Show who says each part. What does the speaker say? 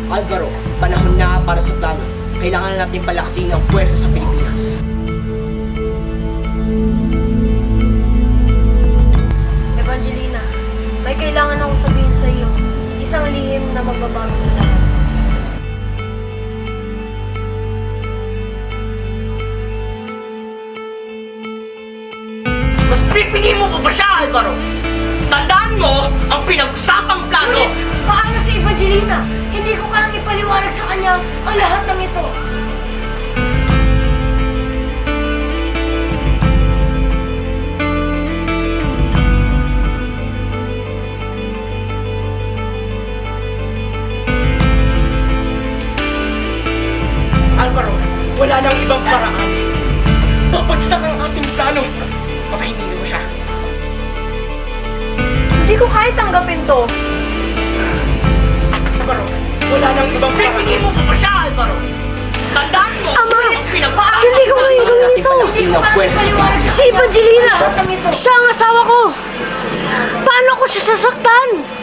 Speaker 1: Alvaro, panahon na para sa plano. Kailangan na natin palaksin ang puwersa sa Pilipinas.
Speaker 2: Evangelina, may kailangan akong sabihin sa iyo. Isang lihim na magbabago sa lahat.
Speaker 1: Mas pipigin mo pa ba siya, Alvaro? Tandaan mo ang pinag-usapang plano!
Speaker 2: Ngunit, paano si Evangelina? Hindi ko kayang ipaliwanag sa kanya ang lahat ng ito.
Speaker 1: Alvaro, wala nang ibang paraan. Babagsak ang ating plano. Pakainin mo siya.
Speaker 2: Hindi ko kaya tanggapin to.
Speaker 1: Alvaro, wala nang ibang paraan. Pipigin mo pa ba siya, Alvaro? Tandaan mo!
Speaker 2: Ama!
Speaker 1: ang pinag-usapang
Speaker 2: Hindi ko kaya gawin
Speaker 1: natin
Speaker 2: ito!
Speaker 1: palaksin ang puwersa sa Pilipinas.
Speaker 2: Si Evangelina! Siya ang asawa ko! Paano ko siya sasaktan?